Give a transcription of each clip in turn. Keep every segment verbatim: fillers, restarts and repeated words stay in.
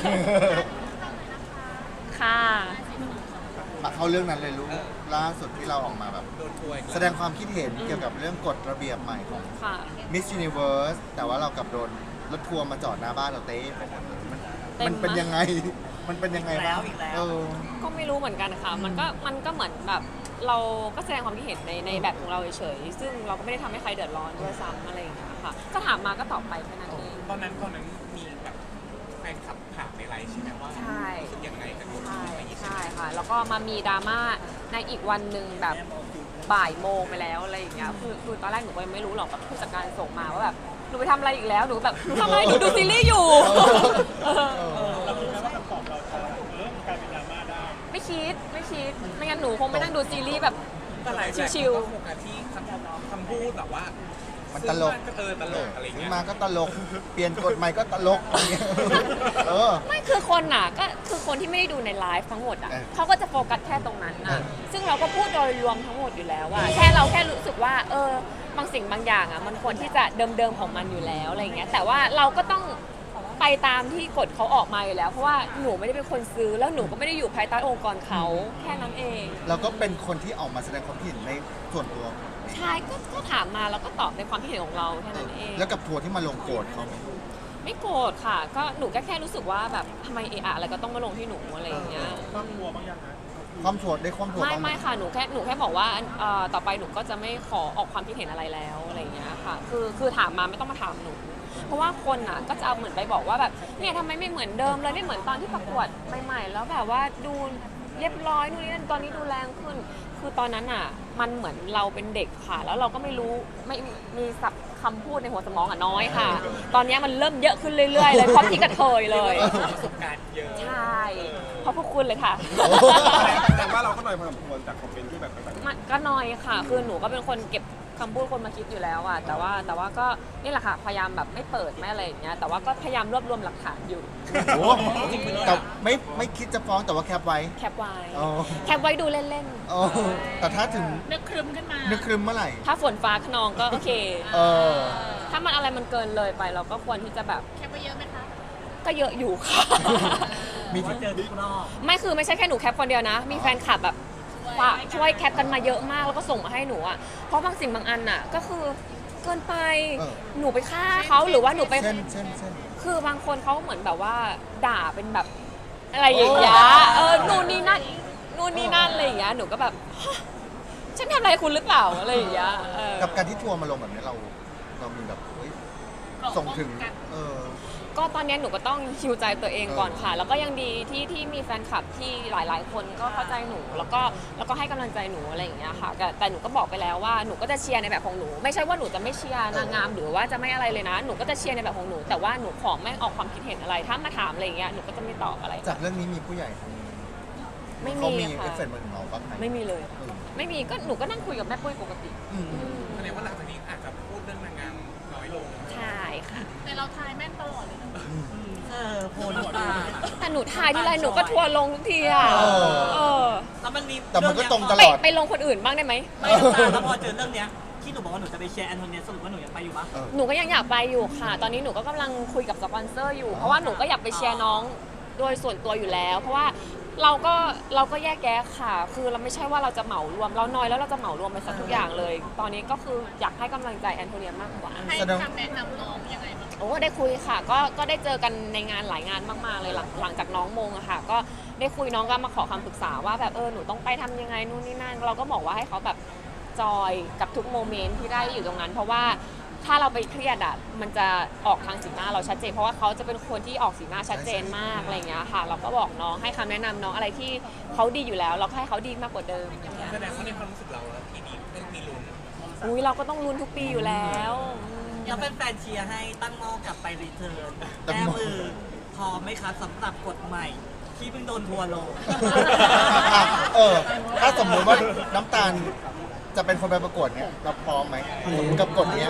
ค่ะมาเข้าเรื่องนั้นเลยลูกล่าสุดที่เราออกมาแบบโดนทัวร์อีกแสดงความคิดเห็นเกี่ยวกับเรื่องกฎระเบียบใหม่ของค่ะ Miss Universe แต่ว่าเรากลับโดนรถทัวร์มาจอดหน้าบ้านเราเต้ไปหมดเลยมันเต็มมันเป็นมากยังไง มันเป็นยังไงอีกแล้วอีกแล้วเออก็ไม่รู้เหมือนกันค่ะ มันก็มันก็เหมือนแบบเราก็แสดงความคิดเห็นในในแบบของเราเฉยๆซึ่งเราก็ไม่ได้ทำให้ใครเดือดร้อนด้วยซ้ำอะไรอย่างเงี้ยค่ะ ก็ถามมาก็ตอบไปแค่นั้นเองตอนนั้นตอนนั้นมีแบบแฟนคลับถามในไลน์ใช่ไหมว่าใช่รู้สึกยังไงกับกฎใช่นี้ใช่ค่ะ แล้วก็มามีดราม่าในอีกวันหนึ่งแบบบ่ายโมงไปแล้วอะไรอย่างเงี้ยคือคือตอนแรกหนูก็ยังไม่รู้หรอกแบบผู้จัดการส่งมาว่าแบบหนูไปทำอะไรอีกแล้วหนูแบบหนูทำอะไรหนูดูซีรีส์อยู่เออเราคิดไหมว่าคำตอบเราจะเริ่มกลายเป็นดราม่าได้ไม่คิดไม่คิดไม่งั้นหนูคงไม่นั่งดูซีรีส์แบบแต่หลายแบรนด์ชิวๆก็โฟกัสที่คำคำพูดแบบว่ามันซื้ตอลกมาก็เออตลกอะไรซื้เงี้อย มาก็ตลก เปลี่ยนกฎใหม่ก็ตลกอย่างเงี้ยเออไม่คือคนน่ะก็คือคนที่ไม่ได้ดูในไลฟ์ทั้งหมดอ่ะเออเขาก็จะโฟกัสแค่ตรงนั้นเอน่ะอซึ่งเราก็พูดโดยรวมทั้งหมดอยู่แล้วว่าแค่เราแค่รู้สึกว่าเออบางสิ่งบางอย่างอ่ะมันควรที่จะเดิมๆของมันอยู่แล้วอะไรอย่างเงี้ยแต่ว่าเราก็ต้องไปตามที่กฎเขาออกมาอยู่แล้ว เพราะว่าหนูไม่ได้เป็นคนซื้อแล้วหนูก็ไม่ได้อยู่ภายใต้องค์กรเขาแค่นั้นเองเราก็เป็นคนที่ออกมาแสดงความคิดเห็นในส่วนตัวใช่ก็ก็ถามมาแล้วก็ตอบในความคิดเห็นของเราแค่นั้นเองแล้วกับทัวร์ที่มาลงโกรธเขาไหมไม่โกรธค่ะ ก็หนูก็แค่รู้สึกว่าแบบทำไมเอะอะอะไรก็ต้องมาลงที่หนูอะไรอย่างเงี้ยความกลัวบางอย่างนะความโกรธได้ความโกรธไม่บ้างหไม่ค่ะหนูแค่หนูแค่บอกว่าเอ่อต่อไปหนูก็จะไม่ขอออกความคิดเห็นอะไรแล้วอะไรอย่างเงี้ยค่ะคือคือถามมาไม่ต้องมาถามหนู เพราะว่าคนอ่ะก็จะเอาเหมือนไปบอกว่าแบบเนี่ยทำไมไม่เหมือนเดิมเลยไม่เหมือนตอนที่ประกวดใหม่ๆแล้วแบบว่าดูเรียบร้อยนู่นนี่นั่นตอนนี้ดูแรงขึ้น คือตอนนั้นอ่ะมันเหมือนเราเป็นเด็กค่ะ แล้วเราก็ไม่รู้ไม่มีศัพท์คำพูดในหัวสมองอ่ะน้อยค่ะ ตอนนี้มันเริ่มเยอะขึ้นเรื่อยๆเลยเพราะที่กระเทยเลยประสบการณ์เยอะใช่เพราะพวกคุณเลยค่ะแต่ว่าเราก็หน่อยพอสมควรจากคอมเมนต์ที่แบบต่างมันก็น้อยค่ะ คือหนูก็เป็นคนเก็บคำพูดคนมาคิดอยู่แล้วอะแต่ว่าแต่ว่าก็นี่แหละค่ะ พยายามแบบไม่เปิดไม่อะไรอย่างเงี้ย แต่ว่าก็พยายามรวบรวมหลักฐานอยู่โอ้โหแต่ไม่ไม่คิดจะฟ้องแต่ว่าแคปไว้แคปไว้อ๋อแคปไว้ดูเล่นโอ้แต่ถ้าถึงนึกครึมขึ้นมานึกครึมเมื่อไหร่ๆ ถ้าฝนฟ้าขนองก็โอเคเออถ้ามันอะไรมันเกินเลยไปเราก็ควรที่จะแบบแคปไปเยอะไหมคะก็เยอะอยู่ค่ะมีว่าที่เจอทุกรอบไม่คือไม่ใช่แค่หนูแคปคนเดียวนะ มีแฟนคลับแบบฝากช่วยแคปกันมาเยอะมากแล้วก็ส่งมาให้หนูอะเพราะบางสิ่งบางอันอะก็คือเกินไป หนูไปฆ่าเขาหรือว่าหนูไปเช่นเช่นเช่นคือบางคนเขาเหมือนแบบว่าด่าเป็นแบบอะไรอย่างเงี้ย เออ นู่นนี่นั่น นู่นนี่นั่นอะไรอย่างเงี้ย หนูก็แบบฮะฉันทำอะไรคุณหรือเปล่าอะไรอย่างเงี้ยเออกับการที่ทัวร์มาลงแบบนี้เรา เรามีแบบเฮ้ยส่งถึง เออก็ตอนนี้หนูก็ต้องฮิวใจตัวเองก่อนค่ะ แล้วก็ยังดีที่ที่มีแฟนคลับที่หลาย ๆ คนก็เข้าใจหนู แล้วก็แล้วก็ให้กำลังใจหนูอะไรอย่างเงี้ยค่ะ แต่แต่หนูก็บอกไปแล้วว่าหนูก็จะเชียร์ในแบบของหนู ไม่ใช่ว่าหนูจะไม่เชียร์นางงามหรือว่าจะไม่อะไรเลยนะ หนูก็จะเชียร์ในแบบของหนู แต่ว่าหนูขอไม่ออกความคิดเห็นอะไร ถ้ามาถามอะไรอย่างเงี้ย หนูก็จะไม่ตอบอะไรจากเรื่องนี้มีผู้ใหญ่ไม่เขามีมีเอค่ะฟเฟกต์มาถึงเราบ้างไหมไม่มีเลยเออไม่มีก็หนูก็นั่งคุยกับแม่ปุ้ยปกติอืมแสดงว่าหลังจากนี้อาจจะพูดเรื่องนางงามน้อยลงใช่ค่ะแต่เราทายแม่นตลอดเลยนะเออโพลตาแต่หนูถ่ายที่ไรหนูก็ทัวร์ลงทุกทีอ่ะเออเออแล้วมันมีแต่มันก็ตรงตไปลอดไปลงคนอื่นบ้างได้ไหมไม่น้ำตาแล้วพอเจอเรื่องเนี้ยที่หนูบอกว่าหนูจะไปเชียร์แอนโทเนียสรุปว่าหนูยังไปอยู่ปะเออหนูก็ยังอยากไปอยู่ค่ะ ตอนนี้หนูก็กำลังคุยกับสปอนเซอร์อยู่ เพราะว่าหนูก็อยากไปเชียร์น้องโดยส่วนตัวอยู่แล้ว เพราะว่าเราก็เราก็แยกแยะค่ะ คือเราไม่ใช่ว่าเราจะเหมารวม เราน้อยแล้วเราจะเหมารวมไปสักทุกอย่างเลย ตอนนี้ก็คืออยากให้กำลังใจแอนโทเนียมากกว่าให้แสดงคำแนะนำน้องยังไงบ้างโอ้ได้คุยค่ะก็ก็ได้เจอกันในงานหลายงานมากๆเลยหลังหลังจากน้องมงอะค่ะ ก็ได้คุยน้องก็มาขอคำปรึกษาว่าแบบเออหนูต้องไปทำยังไงนู่นนี่นั่นเราก็บอกว่าให้เขาแบบจอยกับทุกโมเมนต์ที่ได้อยู่ตรงนั้น เพราะว่าถ้าเราไปเครียดอะมันจะออกทางสีหน้าเราชัดเจนเพราะว่าเขาจะเป็นคนที่ออกสีหน้าชัดเจนมากอะไรอย่างเงี้ยค่ะ เราก็บอกน้องให้คำแนะนำน้องอะไรที่เขาดีอยู่แล้ว เราก็ให้เขาดีมากกว่าเดิมอย่างเงี้ยแสดงว่าในความรู้สึกเราแล้วทีนี้ไม่มีลุ้นอุ้ยเราก็ต้องลุ้นทุกปีอยู่แล้วอืมแล้วแฟนๆเชียร์ให้ตั้งหม้อกลับไปรีเทิร์นตั้งแก้หม้อมือพร้อมไหมคะสำหรับกฎใหม่ ที่เพิ่งโดนทัวร์ลงอ่ะเออ ถ้าสมมติว่าน้ำตาลจะเป็นคนไปประกวดเนี่ยเราพร้อมไหมกับกฎเนี้ย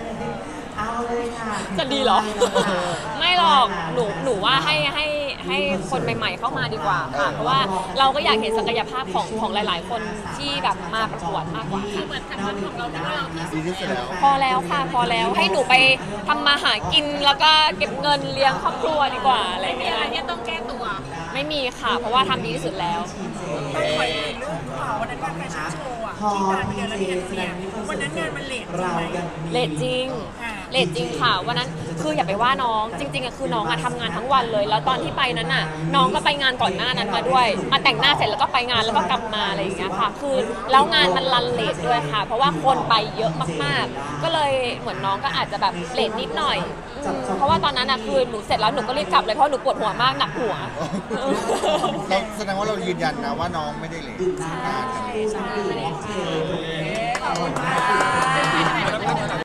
จะดีเหรอ ไม่หรอกหนูหนูว่าให้ให้ให้คนใหม่ ๆ เข้ามาดีกว่าค่ะ เพราะว่าเราก็อยากเห็นศักยภาพของของหลาย ๆ คนที่แบบมาประกวดมากกว่าค่ะเหมือนทางนั้นของเราที่ว่าเราที่สุดีดที่สุดแล้วพอแล้วค่ะ พอแล้วให้หนูไปทำมาหากินแล้วก็เก็บเงินเลี้ยงครอบครัวดีกว่าอะไรอย่างมีเงี้ยอะไรที่ต้องแก้ไม่มีค่ะ เพราะว่าทำดีที่สุดแล้วต้องขออีกหนึ่งเรื่องข่าววันนั้นงานแฟชั่นโชว์อ่ะที่งานไปเดือนละเดือนเนี่ยวันนั้นงานมันเลทใช่ไหมเลทจริงอ่าเลทจริงค่ะวันนั้นคืออย่าไปว่าน้องจริงๆอะคือน้องอะทำงานทั้งวันเลย แล้วตอนที่ไปนั้นอะน้องก็ไปงานก่อนหน้านั้นมาด้วยมาแต่งหน้าเสร็จแล้วก็ไปงานแล้วก็กลับมาอะไรอย่างเงี้ยค่ะ คือแล้วงานมันรันเลทด้วยค่ะ เพราะว่าคนไปเยอะมากๆ ก็เลยเหมือนน้องก็อาจจะแบบเลทนิดหน่อยอืมเพราะว่าตอนนั้นอะคือหนูเสร็จแล้วหนูก็รีบกลับเลยเพราะหนูปวดหัวมากหนักหัวเราแสดงว่าเรายืนยันนะว่าน้องไม่ได้เลยใช่ใช่ขอบคุณค่ะ